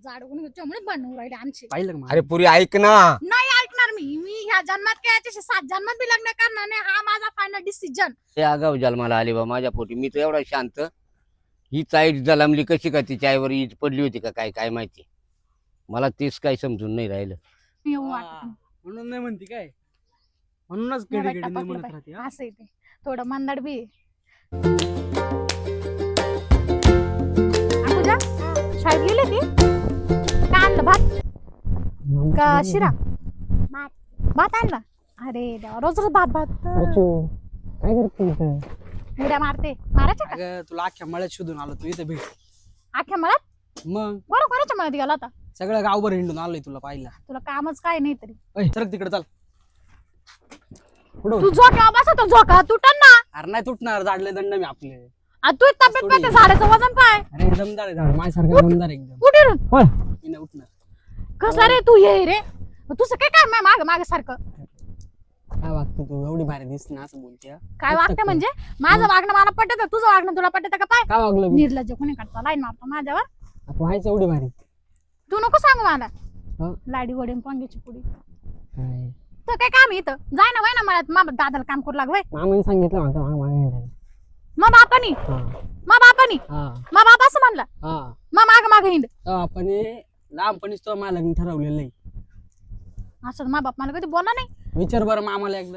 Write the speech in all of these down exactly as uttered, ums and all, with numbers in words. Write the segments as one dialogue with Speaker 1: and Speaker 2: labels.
Speaker 1: जाड गुण त्यामुळे भांडण राहिले आमचे.
Speaker 2: पाहिलं का?
Speaker 3: अरे पुरी ऐक ना.
Speaker 1: नाही ऐकणार मी मी ह्या जन्मात काय याच्याशी सात जन्मात बी लग्न करणार नाही. हा माझा फायनल डिसिजन.
Speaker 3: ते आगाव जन्माला आली बा माझ्या पोटी. मी तर एवढा शांत. ही चाईट जलमली कशी का तिच्या आईवर ईद पडली होती का काय काय माहिती. मला तेच काही समजून नाही राहिलं.
Speaker 1: येऊ
Speaker 2: हा,
Speaker 1: वाटत
Speaker 2: म्हणून नाही म्हणती काय, म्हणूनच
Speaker 1: नाही.
Speaker 2: गेडी
Speaker 1: मला
Speaker 2: गेडी नाही
Speaker 1: टपकलं
Speaker 2: म्हणत
Speaker 1: पाहिजे.
Speaker 2: राहते हा.
Speaker 1: असं आहे ते थोडं मंदाड बी आहे. पूजा शाळेत गेले ती काय आणलं भात का शिरा भात आणला. अरे देवा रोज रोज भात भात
Speaker 2: काय करते इथं?
Speaker 1: उड्या मारते मारायच्या का
Speaker 2: अगं तुला अख्ख्या मळ्यात शोधून आलो तू इथे भेट.
Speaker 1: आख्या मळ्यात
Speaker 2: मग
Speaker 1: बरं कोणाच्या मळ्यात गेला होता.
Speaker 2: सगळं गावभर हिंडून आलोय तुला पाहिला.
Speaker 1: तुला कामच काय नाही तरी
Speaker 2: ऐ, सरक तिकडे चाल. पुढं
Speaker 1: तू झोका बसा तो झोका तुटन ना.
Speaker 2: अरे नाही तुटणार, जाडले दंड मी आपले.
Speaker 1: आ, तू तब्येत पाहते झाडाचं वजन काय
Speaker 2: अरे दमदार आहे झाड, माझ्यासारखा दमदार आहे एकदम.
Speaker 1: कुठे रे?
Speaker 2: मी नाही उठणार.
Speaker 1: कसं रे तू ये रे तुझं काय काय माग माग सारखं
Speaker 2: काय वागतो तू, एवढी भारी दिसते ना असं बोलते हा?
Speaker 1: काय वागते म्हणजे माझं वागणं मला पटत तुझं वागणं तुला पटत का पाय.
Speaker 2: काय वागलं मी?
Speaker 1: निर्लज्ज कोणी काढता लाईन मारतो माझ्यावर.
Speaker 2: आता व्हायचं एवढी भारी.
Speaker 1: तू नको सांगू मला
Speaker 2: हं?
Speaker 1: लाडी वडील पांग्याची पुडी
Speaker 2: काय?
Speaker 1: तर काय काम आहे इथं जाय ना वय ना मला मा दादाला काम करू लागवय
Speaker 2: मामाने सांगितलं माझं माग मागे हिंडायला.
Speaker 1: मग बापानी
Speaker 2: हा
Speaker 1: मग बापानी
Speaker 2: हा
Speaker 1: मग बाप असं म्हणला
Speaker 2: हा.
Speaker 1: मग माग माग हिंड
Speaker 2: तेव्हा आपण हे लहानपणीच तो मला लग्न ठरवलेलं आहे.
Speaker 1: असं मा बाप मला कधी बोला नाही.
Speaker 2: विचार बरं मामाला एकदा.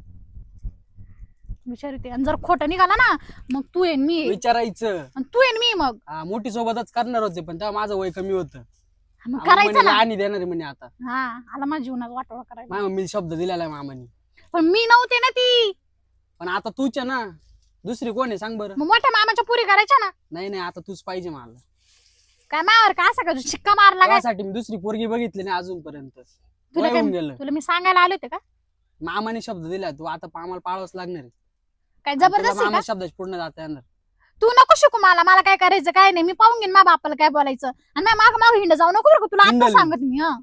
Speaker 1: विचारते आणि जर खोटं निघाला ना मग तू येईन मी येईन.
Speaker 2: विचारायचं.
Speaker 1: आणि तू येईन मी मग
Speaker 2: हा, मोठी सोबतच करणार होते पण तेव्हा माझं वय कमी होतं.
Speaker 1: मग करायचं ना.
Speaker 2: आणि देणार आहे म्हणे आता.
Speaker 1: हा आला माझ्या जीवनात वाटोळा करायला.
Speaker 2: माझ्या मम्मीला शब्द दिलेला आहे मामानी.
Speaker 1: पण मी नव्हते ना ती.
Speaker 2: पण आता तूच आहे ना, दुसरी कोण आहे सांग बरं.
Speaker 1: मग मोठ्या मामाच्या पुरी करायच्या ना.
Speaker 2: नाही नाही आता तूच पाहिजे मला.
Speaker 1: काय मावर का असं का तू शिक्का मारला काय.
Speaker 2: त्यासाठी मी दुसरी पोरगी बघितली नाही अजूनपर्यंत.
Speaker 1: तुला
Speaker 2: वय
Speaker 1: काय
Speaker 2: होऊन गेलं.
Speaker 1: तुला मी सांगायला आले होते का
Speaker 2: मामाने शब्द दिला, तू आता आम्हाला पाळावंच लागणार आहे.
Speaker 1: काय
Speaker 2: तुला
Speaker 1: जबरदस्त आहे
Speaker 2: मामा
Speaker 1: का.
Speaker 2: शब्दाची पूर्ण जाता येणार.
Speaker 1: तू नको शिकू मला मला काय करायचं काय नाही. मी पाहून घेईन मा बापाला काय बोलायचं आणि माझ्या माग माग हिंड जाऊ नको बरं का. तुला आता
Speaker 2: हिंडल.
Speaker 1: सांगत मी हा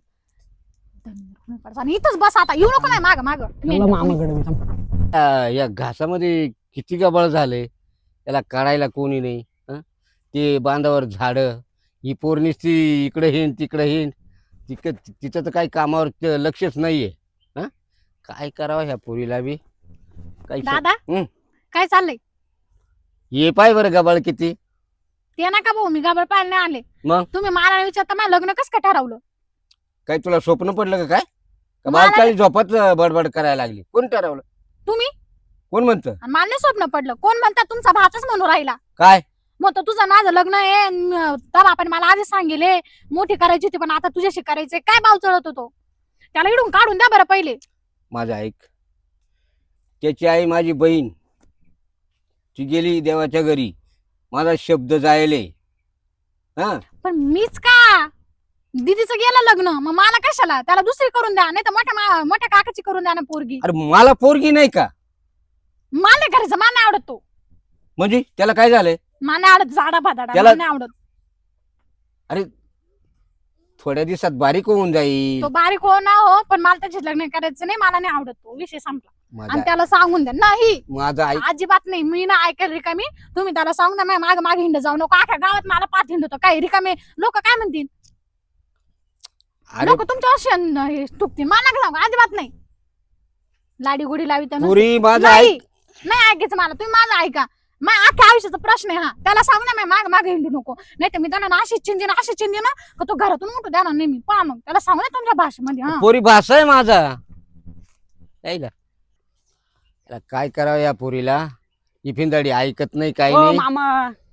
Speaker 1: आणि इथंच बस आता येऊ नको नाही माग माग
Speaker 2: मामाकडे मी थांब.
Speaker 3: आ, या घासामध्ये किती गबाळ झाले. त्याला काढायला कोणी नाही. हं? ते बांधावर झाड. ही पोरनीच ती इकडे हिंड तिकडे हिंड. तिक तिचं तर काही कामावर ते लक्षच नाहीये. हा काय करावं ह्या पोरीला बी काही
Speaker 1: दादा
Speaker 3: हं.
Speaker 1: काय चाललंय
Speaker 3: ये पाय बरं गबाळ किती.
Speaker 1: ते नका भाऊ मी गाबळ पाहायला नाही आले.
Speaker 3: मग
Speaker 1: तुम्ही मला विचारता मला लग्न कसं काय ठरवलं.
Speaker 3: काय तुला स्वप्न पडलं का काय का
Speaker 1: मला
Speaker 3: बालकाळी झोपात बडबड करायला लागली. कोण ठरवलं.
Speaker 1: तुम्ही
Speaker 3: कोण म्हणतं.
Speaker 1: आणि मला नाही स्वप्न पडलं. कोण म्हणतात तुमचा भाचच म्हणून राहिला.
Speaker 3: काय
Speaker 1: मग तो तुझं माझं लग्न आहे न- तर आपण मला आधी सांगेले मोठी करायची होती पण आता तुझ्याशी करायचंय. काय भाव चढत होतो त्याला इडून काढून द्या बरं पहिले.
Speaker 3: माझं ऐक. त्याची आई माझी बहीण. ती गेली देवाच्या घरी. माझा शब्द जायले. हा
Speaker 1: पण मीच का दीदीचं गेलं लग्न मग मला कशाला. त्याला दुसरी करून द्या नाही तर मोठ्या मा- मोठ्या काकाची करून द्या ना पोरगी.
Speaker 3: अरे मला पोरगी नाही का.
Speaker 1: मला नाही करायचं मला नाही आवडत तो.
Speaker 3: म्हणजे त्याला काय झालंय.
Speaker 1: मला नाही आवडत झाडा भादाडा
Speaker 3: त्याला-
Speaker 1: मला नाही आवडत.
Speaker 3: अरे थोड्या दिवसात बारीक होऊन जाईल.
Speaker 1: तो बारीक हो ना हो पण मला त्याचे लग्न करायचं नाही. मला नाही आवडत तो. विषय संपला. आणि
Speaker 3: माझा
Speaker 1: त्याला सांगून द्या नाही
Speaker 3: माझा ऐक.
Speaker 1: अजिबात नाही. मी ना ऐकायला रिकामी. तुम्ही त्याला सांगून द्या माग माग हिंड जाऊ नको. अख्या गावात मला पाच हिंड होतं काय रिकामे लोक काय म्हणतील.
Speaker 3: अरे
Speaker 1: लोक तुमच्या तुकतील मला नका सांगू अजिबात नाही. लाडी गुडी लावी
Speaker 3: पुरी माझा
Speaker 1: नाही
Speaker 3: ऐक.
Speaker 1: नाही ऐकायचं मला. तुम्ही माझं ऐका. मग अख्ख्या आयुष्याचा प्रश्न आहे हा. त्याला सांगू ना माग माग हिंडू नको नाही तर मी त्यांना अशी चिंदी ना अशी चिंदी ना का तो घरातून उठू द्या ना नेहमी पहा. मग त्याला सांगू ना तुमच्या भाषेमध्ये हा
Speaker 3: पोरी भाषा आहे माझा. ऐका त्याला काय करावं या पोरीला. ही फिंदाडी ऐकत नाही काही
Speaker 2: ओ
Speaker 3: नाही.
Speaker 2: मामा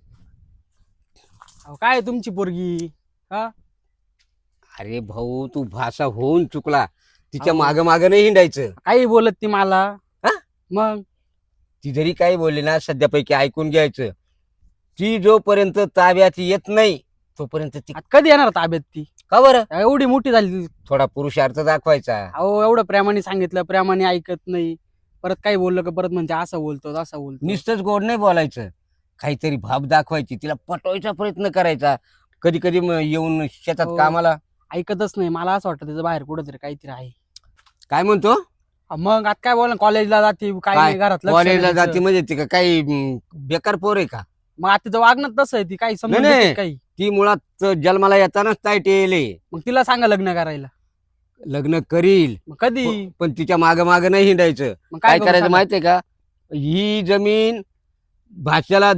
Speaker 2: अहो, काय तुमची पोरगी हा.
Speaker 3: अरे भाऊ तू भाषा होऊन चुकला. तिच्या
Speaker 2: अहो.
Speaker 3: माग माग नाही हिंडायचं.
Speaker 2: काही बोलत ती मला.
Speaker 3: हा?
Speaker 2: मग
Speaker 3: ती जरी काही बोलली ना सध्यापैकी ऐकून घ्यायचं. ती जोपर्यंत ताब्यात येत नाही तोपर्यंत ती
Speaker 2: आता कधी येणार ताब्यात ती.
Speaker 3: का बरं
Speaker 2: एवढी मोठी झाली.
Speaker 3: थोडा पुरुषार्थ दाखवायचा.
Speaker 2: अहो एवढं प्रेमाने सांगितलं प्रेमाने ऐकत नाही. परत काही बोललं का परत म्हणजे असं बोलतो असं बोलतो.
Speaker 3: नुसतंच गोड नाही बोलायचं. काहीतरी भाव दाखवायची. तिला पटवायचा प्रयत्न करायचा. कधी कधी येऊन शेतात
Speaker 2: हो.
Speaker 3: कामाला
Speaker 2: ऐकतच नाही. मला असं वाटतं त्याचं बाहेर कुठंतरी काहीतरी आहे.
Speaker 3: काय म्हणतो.
Speaker 2: अ मग आता काय बोल कॉलेजला जाते काय
Speaker 3: काय?
Speaker 2: नाही, घरात लक्ष
Speaker 3: कॉलेजला
Speaker 2: द्यायचं.
Speaker 3: जाती म्हणजे ती का काही म, बेकार पोर आहे का.
Speaker 2: मग आता तिचं वागणं तसं आहे, ती काही समजून
Speaker 3: नाही,
Speaker 2: घेते
Speaker 3: नाही.
Speaker 2: काही.
Speaker 3: ती मुळात जन्माला येतानाच ताईट येले.
Speaker 2: मग तिला सांगा लग्न करायला.
Speaker 3: लग्न करील
Speaker 2: मग कधी
Speaker 3: प- पण तिच्या माग माग नाही हिंडायचं.
Speaker 2: मग
Speaker 3: काय
Speaker 2: करू
Speaker 3: करायचं
Speaker 2: सांगा?
Speaker 3: माहितीये का, ही जमीन भाषेला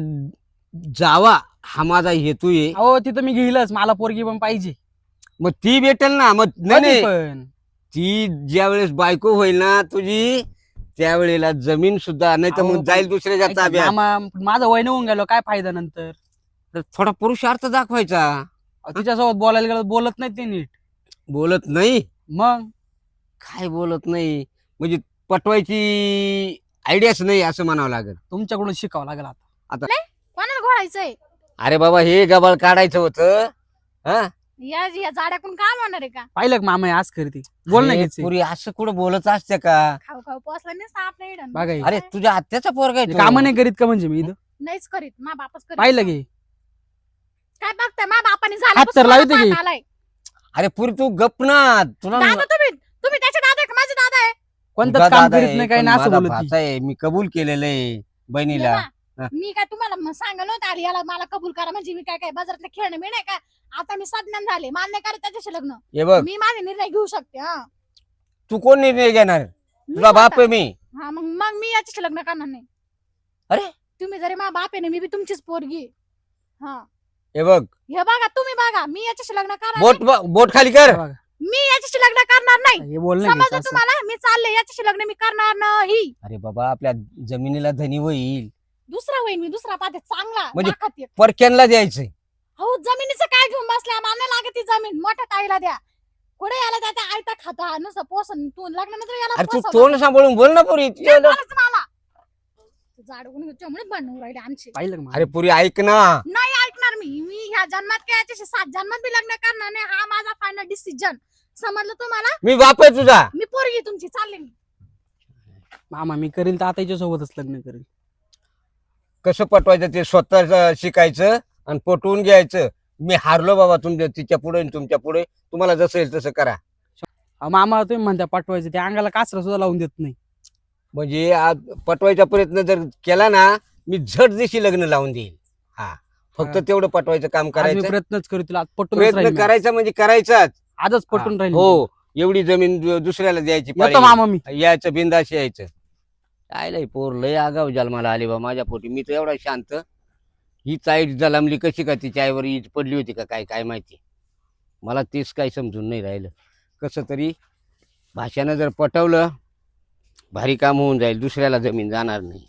Speaker 3: जावा हा माझा हेतू आहे.
Speaker 2: अहो तिथं मी घेईलच, मला पोरगी पण पाहिजे.
Speaker 3: मग ती भेटेल ना. मग नाही
Speaker 2: कधी
Speaker 3: नाही,
Speaker 2: पण
Speaker 3: ती ज्या वेळेस बायको होईल ना तुझी, त्यावेळेला जमीन सुद्धा नाही तर
Speaker 2: अहो,
Speaker 3: मग
Speaker 2: पण
Speaker 3: जाईल दुसऱ्याच्या
Speaker 2: ऐका,
Speaker 3: ताब्यात.
Speaker 2: मामा माझं वय होऊन गेलो, काय फायदा नंतर.
Speaker 3: तर थोडा पुरुषार्थ दाखवायचा.
Speaker 2: अहो, तिच्यासोबत बोलायला गेलं बोलत नाही ते नीट.
Speaker 3: बोलत नाही,
Speaker 2: मग
Speaker 3: काय बोलत नाही म्हणजे पटवायची आयडियाच नाही असं म्हणावं लागेल.
Speaker 2: तुमच्याकडून शिकावं लागेल आता.
Speaker 1: कोणाला घोळायचंय?
Speaker 3: अरे बाबा हे गबाळ काढायचं होतं. हा
Speaker 1: या या जाड्याकडून काम होणार आहे का?
Speaker 2: पाहिलं का मामा हे आज करते, बोल नाही
Speaker 3: अरे,
Speaker 2: घ्यायचं.
Speaker 3: पुरी असं कुठं बोलत असते का.
Speaker 1: खाऊ खाऊ पोचला नाही साप नाही इडन.
Speaker 2: बघा हे.
Speaker 3: अरे तुझ्या आत्याचा पोरगा आहे तो.
Speaker 2: काम नाही करीत का म्हणजे मी इथं
Speaker 1: नाहीच करीत, मा बापच करीत.
Speaker 2: पाहिलं की.
Speaker 1: काय बघताय, मा बापाने
Speaker 2: हात तर लावते की.
Speaker 1: झाला.
Speaker 3: अरे पुरी तू गप ना. तुला
Speaker 1: दादा तुम्ही तुम्ही त्याचे दादा आहे का माझे दादा आहे?
Speaker 2: कोणतंच
Speaker 3: तुझा
Speaker 2: काम
Speaker 3: दादा
Speaker 2: करीत
Speaker 3: आहे,
Speaker 2: नाही काही
Speaker 3: पण
Speaker 2: नाही असं
Speaker 3: माझा
Speaker 2: बोलत ती.
Speaker 3: भाचा आहे, मी कबूल केलेलं आहे बहिणीला.
Speaker 1: हे बा, मी काय तुम्हाला म- सांगलं नव्हतं आली याला मला कबूल करा म्हणजे मी काय काय बाजारातले खेळणं मी नाही का. आता मी सज्ञान झाले, मान्य करा त्याच्याशी लग्न.
Speaker 3: हे बघ,
Speaker 1: मी माझे निर्णय घेऊ शकते. हा
Speaker 3: तू कोण निर्णय घेणार.
Speaker 1: मी
Speaker 3: तुझा बाप
Speaker 1: स्वतः-
Speaker 3: आहे मी.
Speaker 1: हा मग मग मी याच्याशी लग्न करणार नाही.
Speaker 3: अरे
Speaker 1: तुम्ही जरी मा बाप आहे ना, मी बी तुमचीच पोरगी आहे. हा
Speaker 3: हे बघ,
Speaker 1: हे बघा तुम्ही बघा, मी याच्याशी लग्न करणार
Speaker 3: बोट
Speaker 1: नाही.
Speaker 3: बोट खाली कर.
Speaker 2: बघा,
Speaker 1: मी याच्याशी लग्न करणार नाही.
Speaker 2: हे बोल नाही
Speaker 1: समजलं
Speaker 2: घ्यायचं असं.
Speaker 1: तुम्हाला? मी चालले याच्याशी लग्न मी करणार नाही.
Speaker 3: अरे बाबा आपल्या जमिनीला धनी होईल,
Speaker 1: दुसरा होईल मी, दुसरा पाहते चांगला
Speaker 3: म्हणजे-
Speaker 1: लाखात एक.
Speaker 3: परक्यांना द्यायचंय.
Speaker 1: हो जमिनीचं काय घेऊन बसल्या, मला नाही लागत ती जमीन. मोठ्या ताईला द्या. कुठे याला त्याचा आयता खाता नुसतं पोसन. तू लग्नानंतर याला
Speaker 3: अरे तू
Speaker 1: पोसवलं.
Speaker 3: तोंड सांभाळून बोल ना पुरी.
Speaker 1: नाही बोलायचं मला. जाडगुण त्यामुळे बनवून राहिले आमचे.
Speaker 2: पाहिलं का मामा?
Speaker 3: अरे पुरी ऐक ना.
Speaker 1: नाही ऐकणार मी. मी ह्या जन्मात काय याच्याशी सात जन्मात बी लग्न करणार नाही. हा माझा फायनल डिसिजन. समजलं तुम्हाला?
Speaker 3: मी बाप आहे तुझा.
Speaker 1: मी पोरगी तुमची, चालले मी.
Speaker 2: मामा मी करील तर आता हिच्या सोबतच लग्न करेल.
Speaker 3: कसं पटवायचं ते स्वतः शिकायचं आणि पटवून घ्यायचं. मी हारलो बाबा तुमच्या तिच्या पुढे तुमच्या पुढे. तुम्हाला जसं येईल तसं करा.
Speaker 2: अहो, मामा तुम्ही म्हणता पाठवायचं, ते अंगाला कासरा सुद्धा लावून देत नाही.
Speaker 3: म्हणजे आज पटवायचा प्रयत्न जर केला ना, मी झट दिशी लग्न लावून देईल. हा फक्त
Speaker 2: हा.
Speaker 3: तेवढं पटवायचं काम
Speaker 2: आज मी
Speaker 3: करायचं.
Speaker 2: प्रयत्नच करू तिला, आज पटून
Speaker 3: प्रयत्न करायचा म्हणजे करायचाच.
Speaker 2: आजच पटून राहील.
Speaker 3: हो एवढी जमीन दु- दुसऱ्याला द्यायची पाळी
Speaker 2: येतो मामा मी.
Speaker 3: नाही. यायचं बिंदाशी यायचं. काय लय पोर लय आगाव जन्माला आली बा माझ्या पोटी. मी तर एवढा शांत. ही चाईट जलमली कशी का, तिच्या आईवर ईज पडली होती का काय काय माहिती. मला तेच काही समजून नाही राहिलं. कसं तरी भाषानं जर पटवलं भारी काम होऊन जाईल. दुसऱ्याला जमीन जाणार नाही.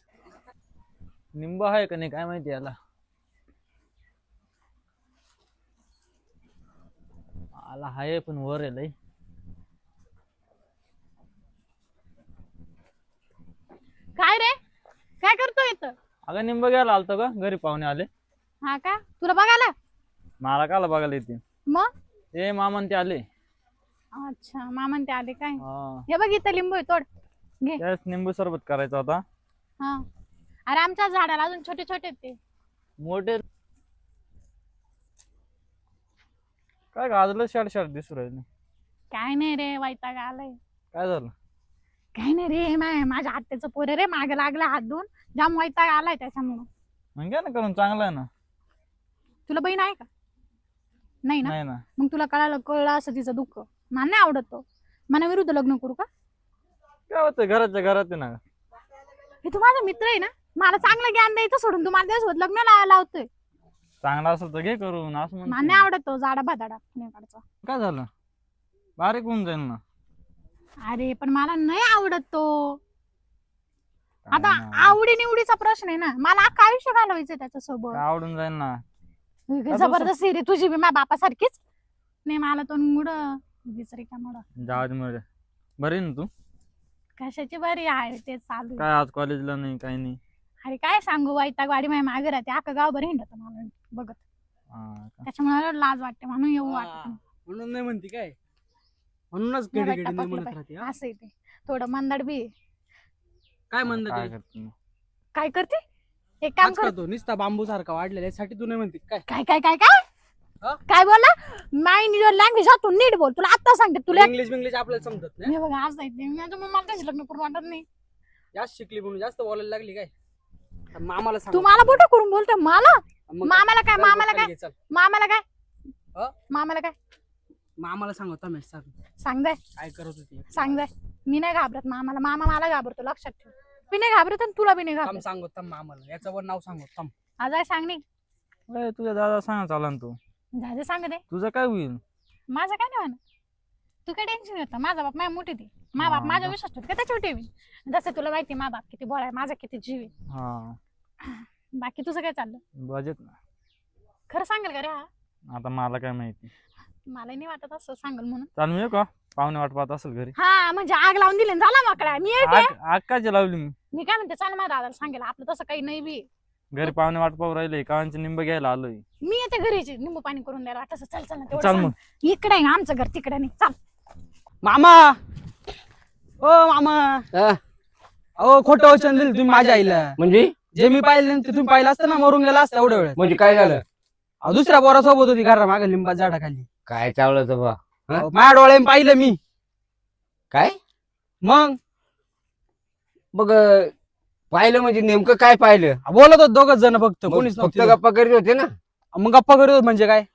Speaker 4: निंब आहे का नाही काय माहिती याला. आला हाय पण वर आहे लय.
Speaker 1: काय रे, काय करतोय इथं?
Speaker 4: अगं निंब घ्यायला आलतो का, घरी पाहुणे आले.
Speaker 1: हा का, तुला बघायला?
Speaker 4: मला काला बघायला येते.
Speaker 1: मग
Speaker 4: ए मामन ते आले.
Speaker 1: अच्छा मामन ते आले काय?
Speaker 4: हा
Speaker 1: हे बघ इथं लिंबू आहे, तोड.
Speaker 4: त्याच निंबू सरबत करायचा होता.
Speaker 1: हा अरे आमच्या झाडाला अजून छोटे छोटे आहेत ते.
Speaker 4: मोठे काय गाजलं शाड शाड दिसू राहिले.
Speaker 1: काय नाही रे, वैताग आलाय.
Speaker 4: काय झालं.
Speaker 1: काय नाही रे, मा- माझ्या आत्याचं पोर रे, मागे लागला हात धुवून. जाम वैताग आलाय त्याच्यामुळं.
Speaker 4: मग घ्या ना करून, चांगलं आहे ना.
Speaker 1: तुला बहीण आहे का? नाही ना.
Speaker 4: नाही ना.
Speaker 1: मग तुला कळालं कळलं असं तिचं दुःख. मला नाही आवडत तो. मना विरुद्ध लग्न करू का?
Speaker 4: काय होतं घराच्या घरात आहे ना.
Speaker 1: हे तू माझा मित्र आहे ना, मला चांगलं ज्ञान द्यायचं सोडून तू माझ्या त्याच्यासोबत लग्न ला- लावतोय.
Speaker 4: चांगला असेल तर घे करून असं
Speaker 1: मला
Speaker 4: म्हणतो.
Speaker 1: नाही आवडत तो जाडा भादाडा पुण्याकडचा.
Speaker 4: काय झालं. बारीक होऊन जाईल ना.
Speaker 1: अरे पण मला नाही आवडत तो.
Speaker 4: काय
Speaker 1: आता
Speaker 4: नाही.
Speaker 1: आवडी निवडीचा प्रश्न आहे ना, मला अख्खं आयुष्य घालवायचंय त्याच्यासोबत.
Speaker 4: काय आवडून जाईल ना.
Speaker 1: जबरदस्ती रे तुझी बी माझ्या बापासारखीच. नाही मला तो मुड विचारी का मुड.
Speaker 4: जाऊ दे मग. बरी आहे ना तू.
Speaker 1: कशाची बरी आहे ते चालू आहे.
Speaker 4: काय आज कॉलेजला नाही काही नाही.
Speaker 1: अरे काय सांगू, वैताग वाडी माझ्या मागे राहते, अख्खं गाव बरं हिंडत मला बघत.
Speaker 4: हा का?
Speaker 1: त्याच्यामुळे मला लाज वाटते, म्हणून येऊ वाटत
Speaker 2: हा,
Speaker 1: नाही.
Speaker 2: म्हणून नाही म्हणती काय, म्हणूनच
Speaker 1: नाही
Speaker 2: गेडी
Speaker 1: वाटतं
Speaker 2: गेडी नाही
Speaker 1: पटलं
Speaker 2: म्हणत
Speaker 1: पाहिजे.
Speaker 2: राहते. हा?
Speaker 1: असं आहे ते, थोडं मंदाड बी आहे.
Speaker 2: काय म्हणत
Speaker 4: काय
Speaker 2: ते?
Speaker 4: करते मग?
Speaker 1: काय करते, एक काम
Speaker 2: आज
Speaker 1: कर.
Speaker 2: करतो नुसता बांबू सारखा वाढलेला यासाठी तू नाही म्हणते काय.
Speaker 1: काय काय काय काय
Speaker 2: हा?
Speaker 1: काय बोलला? माइंड युअर लँग्वेज, हा तू नीट बोल. तुला आता सांगते तुला.
Speaker 2: इंग्लिश इंग्लिश आपल्याला समजत नाही.
Speaker 1: मी बघा आज जायचे, मी आता मग मला त्याशी लग्न करून वाटत नाही.
Speaker 2: जास्त शिकली म्हणून जास्त बोलायला लागली काय. मामाला सांग.
Speaker 1: तू मला बोट करून बोलतो मला
Speaker 2: मग
Speaker 1: मामाला काय
Speaker 2: चल,
Speaker 1: मामाला
Speaker 2: चल,
Speaker 1: काय
Speaker 2: घे, चल.
Speaker 1: मामाला काय
Speaker 2: अ?
Speaker 1: मामाला काय
Speaker 2: मामाला सांग होता मी सांग
Speaker 1: सांग जाय
Speaker 2: काय करत होती.
Speaker 1: सांग जाय मी नाही घाबरत मामाला मामा मला घाबरतो लक्षात ठेव मी नाही घाबरत आणि तुला बी नाही
Speaker 2: थांब
Speaker 1: घाबरत
Speaker 2: सांग होता मामाला याचं पण नाव सांग थांब.
Speaker 1: आज आहे सांग नाही
Speaker 4: ए, तुझ्या दादा सांगा चाला ना तू
Speaker 1: झाजे सांग दे
Speaker 4: तुझं काय होईल
Speaker 1: माझं काय नाही म्हणा तू काय टेन्शन घेतो माझा बाप माझ्या मोठी ती मा बाप
Speaker 4: हा,
Speaker 1: माझ्या
Speaker 4: बा-
Speaker 1: विश्वास ठेवतो का त्याच्या ठेवी जसं तुला माहिती मा बाप किती बोळा आहे माझा किती जीव आहे
Speaker 4: हा
Speaker 1: बाकी तुझं काय चाललं
Speaker 4: बजेट ना
Speaker 1: खरं सांगेल का रे हा
Speaker 4: आता मला काय माहिती
Speaker 1: मला नाही वाटत असं सांगेल म्हणून
Speaker 4: चाल मी येऊ का पाहुणे वाट पाहत असेल घरी
Speaker 1: हा म्हणजे आग लावून दिली ना, झाला माकडा मी येते
Speaker 4: आग आग काय लावली मी
Speaker 1: मी काय म्हणते चाल माझ्या दादाला सांगेल आपलं तसं काही नाही बी
Speaker 4: घरी पाहुणे वाट पाहू राहिले कावांचे निंब घ्यायला आलोय
Speaker 1: मी येते घरीची निंबू पाणी करून द्यायला वाटत चल चल ना तेवढं
Speaker 4: चाल
Speaker 1: सांग.
Speaker 4: मग
Speaker 1: इकडे आहे आमचं घर तिकडे नाही चाल
Speaker 2: मामा ओ मामा
Speaker 3: हा,
Speaker 2: अहो खोटं वचन दिलं तुम्ही माझ्या आईला.
Speaker 3: म्हणजे
Speaker 2: जे मी पाहिलं नाही ते तुम्ही पाहिलं असतं ना मरून गेला असतं एवढ्या वेळ.
Speaker 3: म्हणजे काय झालं
Speaker 2: दुसऱ्या पोरासोबत होती घरा मागे लिंबा झाडाखाली.
Speaker 3: काय चावलं तर बा हा?
Speaker 2: अहो, माझ्या डोळ्याने पाहिलं मी.
Speaker 3: काय
Speaker 2: मग
Speaker 3: मग अं, पाहिलं म्हणजे नेमकं काय पाहिलं
Speaker 2: बोलत होत दोघच जण फक्त
Speaker 3: मग
Speaker 2: कोणीच
Speaker 3: फक्त
Speaker 2: नव्हतं.
Speaker 3: गप्पा करीत होते ना
Speaker 2: मग गप्पा करत होत म्हणजे काय.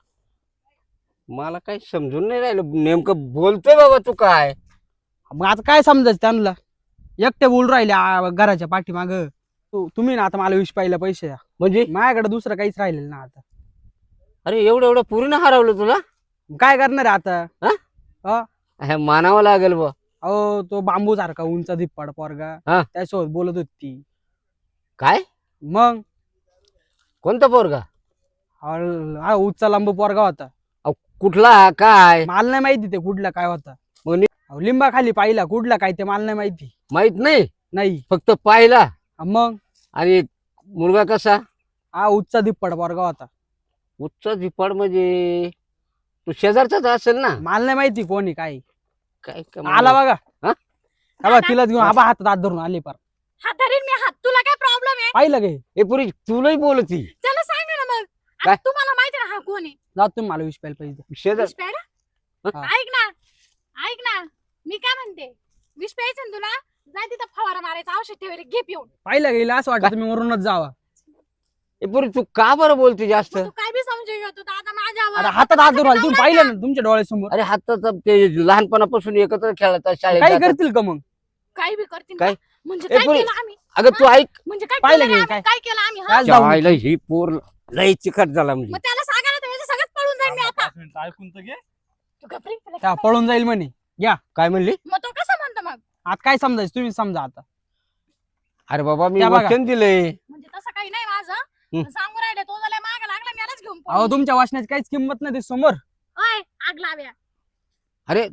Speaker 3: मला काही समजून नाही राहिलं नेमकं बोलतोय बाबा तू काय
Speaker 2: मग आता काय समजायचं त्यांना एकटे बोल राहिले आ, घराच्या पाठीमाग तुम्ही ना आता मला विष पाहिलं पैसे द्या.
Speaker 3: म्हणजे
Speaker 2: माझ्याकडे दुसरं काहीच राहिलेलं ना आता.
Speaker 3: अरे एवढं एवढं पूर्ण हरवलं तुला
Speaker 2: काय करणार आहे आता.
Speaker 3: हे मानावं लागेल बा
Speaker 2: अहो तो बांबू सारखा उंच धिप्पाड पोरगा
Speaker 3: हा.
Speaker 2: त्यासोबत बोलत होती ती.
Speaker 3: काय
Speaker 2: मग
Speaker 3: कोणता पोरगा
Speaker 2: अहो, हा उच्चा लांब पोरगा होता.
Speaker 3: अहो, कुठला काय
Speaker 2: मला नाही माहिती ते कुठला काय होता.
Speaker 3: मग नि-
Speaker 2: अहो, लिंबा खाली पाहिला कुठला काय ते मला नाही माहिती.
Speaker 3: माहित नाही
Speaker 2: नाही
Speaker 3: फक्त पाहिला
Speaker 2: मग
Speaker 3: आणि मुलगा कसा
Speaker 2: हा उच्चा धिप्पाड पोरगा होता.
Speaker 3: उच्च झिपाड म्हणजे तू शेजारचाच असेल ना
Speaker 2: मला नाही माहिती कोणी काय.
Speaker 3: काय
Speaker 2: आला बघा
Speaker 3: हा?
Speaker 2: हा बघा, तिलाच घेऊन आबा हातात हात धरून आली पार.
Speaker 1: हात धरीन मी हात तुला काय प्रॉब्लेम आहे
Speaker 2: पाहिलं गे
Speaker 3: ए पुरी तुलाही बोलती
Speaker 1: त्याला सांग ना मग
Speaker 3: काय?
Speaker 1: आता तुम्हाला माहिती ना हा कोण आहे
Speaker 2: जात तुम्ही मला विष पाहिलं पाहिजे.
Speaker 3: शेजार
Speaker 1: विष प्यायला
Speaker 2: हा.
Speaker 1: ऐक ना ऐक ना मी काय म्हणते विष प्यायचं ना तुला जाय तिथं फवारा मारायचा औषध ठेवायला घे पिऊन
Speaker 2: पाहिलं गेलं असं वाटतं तुम्ही मरूनच जावा.
Speaker 3: ए पुरी तू का बरं बोलते जास्त
Speaker 1: मग तू काय बी समजू घेतो तर आता माझ्यावर
Speaker 2: अरे हातात हात धरून आले तुम्ही पाहिलं ना तुमच्या डोळ्यासमोर.
Speaker 3: अरे हाताचं ते लहानपणापासून एकत्र खेळतात शाळेत
Speaker 2: काही
Speaker 3: जातात.
Speaker 2: करतील का मग.
Speaker 1: काय बी करतील
Speaker 3: काय?
Speaker 1: का? म्हणजे
Speaker 3: ए,
Speaker 1: काय
Speaker 3: पोरी,
Speaker 1: केलं आम्ही
Speaker 3: अगं तू ऐक
Speaker 1: म्हणजे काय
Speaker 2: पाहिलं
Speaker 1: केलं रे
Speaker 2: की
Speaker 1: आम्ही?
Speaker 2: काय?
Speaker 1: काय केलं आम्ही हा?
Speaker 2: काय जाऊ दे.
Speaker 3: जायला ही पोर लई चिकट झाला म्हणजे
Speaker 1: मग त्याला सांगा ना त्याच्या सगळ्यात पळून जाईन मी आता
Speaker 4: पाच मिनिटं ऐकून तर घे
Speaker 1: तू घाबरी त्याला
Speaker 2: त्या
Speaker 1: काय
Speaker 2: पळून जाईल म्हणे.
Speaker 3: काय म्हणली
Speaker 1: माहिती? मग तो कसा म्हणतो मग
Speaker 2: आता काय समजायचं तुम्ही समजा आता.
Speaker 3: अरे बाबा मी
Speaker 2: त्या बघा.
Speaker 3: वचन दिलंय
Speaker 1: म्हणजे तसं काही नाही माझं
Speaker 3: हं.
Speaker 1: पण सांगू राहिले तो झाला माग लागला मलाच घेऊन
Speaker 2: अहो
Speaker 1: पळून.
Speaker 2: तुमच्या वाचण्याची काहीच किंमत नाही ते समोर.
Speaker 1: ओय आग लाव्या
Speaker 3: अरे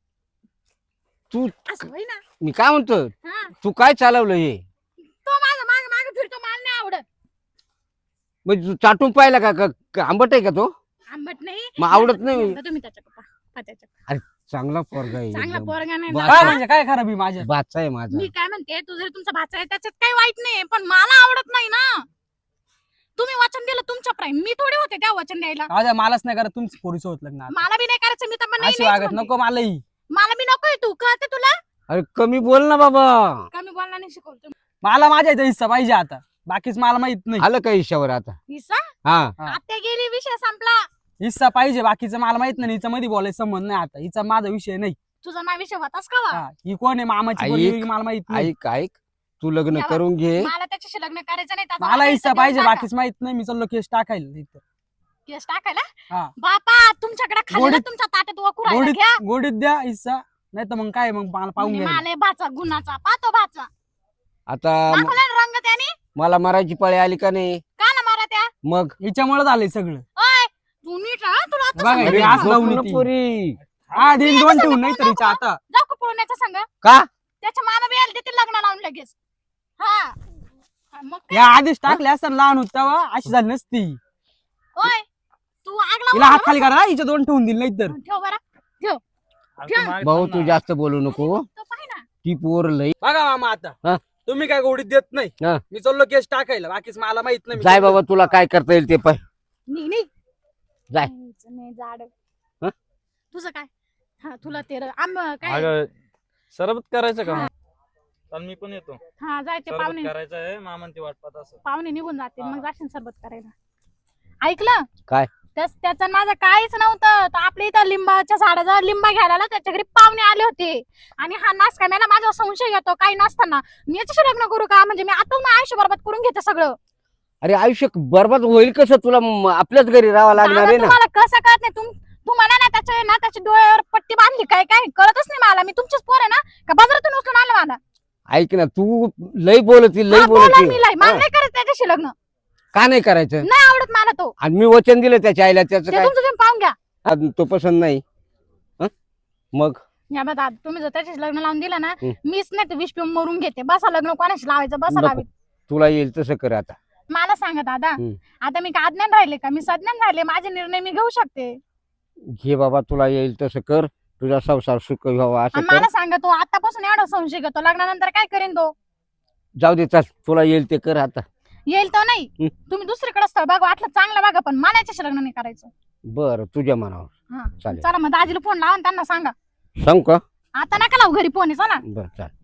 Speaker 3: तू
Speaker 1: असं होई ना
Speaker 3: मी काय म्हणतो
Speaker 1: हा
Speaker 3: तू काय चालवलं हे
Speaker 1: तो माझा माग माग फिरतो मला नाही आवडत
Speaker 3: म्हणजे तू चाटून पाहिला का का- का आंबट आहे का तो
Speaker 1: आंबट नाही
Speaker 3: मग आवडत नाही.
Speaker 1: एकदा तुम्ही त्याच्या पप्पा पा त्याच्या
Speaker 3: चांगला पोरगा आहे
Speaker 1: चांगला
Speaker 3: एकदम.
Speaker 1: पोरगा नाही
Speaker 3: बा-
Speaker 1: ना.
Speaker 2: काय म्हणजे काय खराबी माझ्या.
Speaker 3: बाचा आहे माझा
Speaker 1: मी काय म्हणते तू जरी तुमचा भाचा आहे त्याच्यात काही वाईट नाही पण मला आवडत नाही ना तुम्ही वचन दिलं तुमच्या प्राईम मी थोडे होते त्या वचन द्यायला
Speaker 2: राहू द्या, मलाच नाही करत तुमचं पोरीचं होत लग्न आता.
Speaker 1: मला बी नाही करायचं मी तर पण नाही
Speaker 2: अशी
Speaker 1: नाहीच
Speaker 2: वागत
Speaker 1: म्हणते.
Speaker 2: नको मलाही.
Speaker 1: मला बी नकोय तू कळते तुला
Speaker 3: अरे कमी बोल ना बाबा
Speaker 1: कमी बोलला नाही शिकवतो
Speaker 2: मला माझ्या इथं हिस्सा पाहिजे आता. बाकीच मला माहित नाही.
Speaker 3: आलं का हिशावर आता
Speaker 1: हिस्सा
Speaker 3: हा
Speaker 2: हा.
Speaker 1: आता गेली विषय संपला
Speaker 2: हिस्सा पाहिजे बाकीचं मला माहित नाही. हिचा मध्ये बोलायचं संबंध नाही आता. हिचा माझा विषय नाही.
Speaker 1: तुझा माझा विषय होताच का वा?
Speaker 2: हा, ही कोण आहे मामाची
Speaker 3: ऐक.
Speaker 2: पोरगी मला माहित नाही.
Speaker 3: ऐक ऐक तू लग्न
Speaker 1: या बा.
Speaker 3: करून घे
Speaker 1: मला त्याच्याशी लग्न करायचं नाही त्याचा
Speaker 2: मला हिस्सा
Speaker 1: देऊन
Speaker 2: पाहिजे
Speaker 1: टाका.
Speaker 2: बाकीच माहित नाही. मी चाललो केस टाकायला इथं.
Speaker 1: केस टाकायला
Speaker 2: हा.
Speaker 1: बापा तुमच्याकडे खाली
Speaker 2: गोडीत-
Speaker 1: तुमच्या ताटात वकू राहिला
Speaker 2: गोडीत
Speaker 1: घ्या
Speaker 2: गोडीत द्या हिस्सा नाही तर मग काय मग मला पाहून
Speaker 1: म्हणजे
Speaker 2: घ्या.
Speaker 1: माले भाचा गुणाचा पाहतो भाचा
Speaker 3: आता म-
Speaker 1: दाखवला ना रंग त्याने
Speaker 3: मला मारायची पाळी आली का नाही
Speaker 1: का ना मारा त्या
Speaker 3: मग
Speaker 2: हिच्यामुळे झालंय सगळं.
Speaker 1: ओय तू नीट राहा तुला आता
Speaker 2: बघा,
Speaker 1: सांगते
Speaker 2: हे
Speaker 1: मी.
Speaker 2: असं
Speaker 3: झोप
Speaker 2: लावून
Speaker 3: ना
Speaker 2: येते.
Speaker 3: पोरी
Speaker 2: हा दिन
Speaker 1: मी
Speaker 2: दोन
Speaker 1: आता
Speaker 2: ठेवून नाही तर
Speaker 1: नको,
Speaker 2: हिच्या आता.
Speaker 1: जाऊ का पळण्याचा संग
Speaker 3: का
Speaker 1: त्याच्या मामा बी आले देतील लग्न लावून लगेच हा हा, मग काय?
Speaker 2: या आधीच टाकले असताना लहान होत तेव्हा अशी झाली नसती.
Speaker 1: ओय तू आग
Speaker 2: हिला
Speaker 1: लावून
Speaker 2: हात खाली करा हिच्या दोन ठेवून दिले नाही तर.
Speaker 1: ठेव बरं
Speaker 4: अरे तू मागे
Speaker 3: भाऊ
Speaker 4: थांब
Speaker 3: तू
Speaker 4: ना.
Speaker 3: जास्त बोलू नको
Speaker 1: तो पाय ना
Speaker 3: ती पोर लई
Speaker 2: बघा मामा आता
Speaker 3: हा.
Speaker 2: तुम्ही काय गोडीत देत नाही.
Speaker 3: हा.
Speaker 2: मी चाललो केस टाकायला बाकीच मला माहित नाही. मी
Speaker 3: जाय
Speaker 2: चाललो.
Speaker 3: बाबा तुला काय करता येईल ते पाय
Speaker 1: नी नी
Speaker 3: जाय.
Speaker 1: नाही जाड
Speaker 3: हं?
Speaker 1: तुझं काय हा तुला ते र- आंब काय
Speaker 4: अगं सरबत करायचं का
Speaker 1: हा.
Speaker 4: चाल मी पण येतो.
Speaker 1: हा जायचे
Speaker 4: सरबत
Speaker 1: पाहुणे
Speaker 4: करायचं आहे मामान ते वाटपात असं.
Speaker 1: पाहुणे निघून जातील
Speaker 4: हा.
Speaker 1: मग जाशील सरबत करायला. ऐकलं
Speaker 3: काय?
Speaker 1: त्याच त्याचं आणि माझं काहीच नव्हतं. तो आपल्या इथं लिंबाच्या झाडाचा लिंबा घ्यायला आला, त्याच्या घरी पाहुणे आले होते आणि हा नास काय मला माझा संशय येतो काही नसताना मी याच्याशी लग्न करू का? म्हणजे मी आताच माझं आयुष्य बरबाद करून घेते सगळं.
Speaker 3: अरे आयुष्य बरबाद होईल कसं? तुला म- आपल्याच घरी राहावं लागणार
Speaker 1: दादा,
Speaker 3: आहे ना.
Speaker 1: तुम्हाला कसं कळत नाही? तुम तू म्हणा ना त्याच्या ना त्याच्या डोळ्यावर पट्टी बांधली काय काय कळतच नाही मला. मी तुमचीच पोर आहे ना का बाजारातून उचलून आलं मला?
Speaker 3: ऐक ना, तू लई बोलती लई
Speaker 1: हा, बोला
Speaker 3: बोलती.
Speaker 1: मी लय. मला
Speaker 3: हा.
Speaker 1: नाही करत त्याच्याशी लग्न.
Speaker 3: का नाही करायचं?
Speaker 1: नाही आवडत मला तो.
Speaker 3: आणि मी वचन दिलं त्याच्या आईला, त्याचं
Speaker 1: ते
Speaker 3: काय?
Speaker 1: तुमचं तुम्ही पाहून घ्या.
Speaker 3: आणि तो पसंत नाही हं? मग
Speaker 1: या बा दादा, तुम्ही जर त्याच्याशी लग्न लावून दिलं ना
Speaker 3: हं.
Speaker 1: मीच नाही तर विष पिऊन मरून घेते. बसा लग्न कोणाशी लावायचं बसा
Speaker 3: नको.
Speaker 1: लावीत.
Speaker 3: तुला येईल तसं कर आता.
Speaker 1: मला सांगा दादा,
Speaker 3: हं.
Speaker 1: आता मी का अज्ञान राहिले का? मी सज्ञान राहिले. माझे निर्णय मी घेऊ शकते.
Speaker 3: घे बाबा, तुला येईल तसं कर. तुझा संसार सुख व्हावा असं
Speaker 1: आणि
Speaker 3: कर.
Speaker 1: मला सांगा, तो आतापासून एवढा संशय घेतो, लग्नानंतर काय करेन तो?
Speaker 3: जाऊ दे, चल तुला येईल ते कर आता.
Speaker 1: येईल तो नाही.
Speaker 3: हं.
Speaker 1: तुम्ही दुसरीकडे स्थळ बघा, वाटलं चांगलं बघा, पण मला याच्याशी लग्न नाही करायचं.
Speaker 3: बरं, तुझ्या मनावर.
Speaker 1: हा
Speaker 3: चालेल.
Speaker 1: चला मग दाजीला फोन लावा आणि त्यांना सांगा.
Speaker 3: सांग का?
Speaker 1: आता नका लावू घरी फोन, चला.
Speaker 3: बरं चालेल.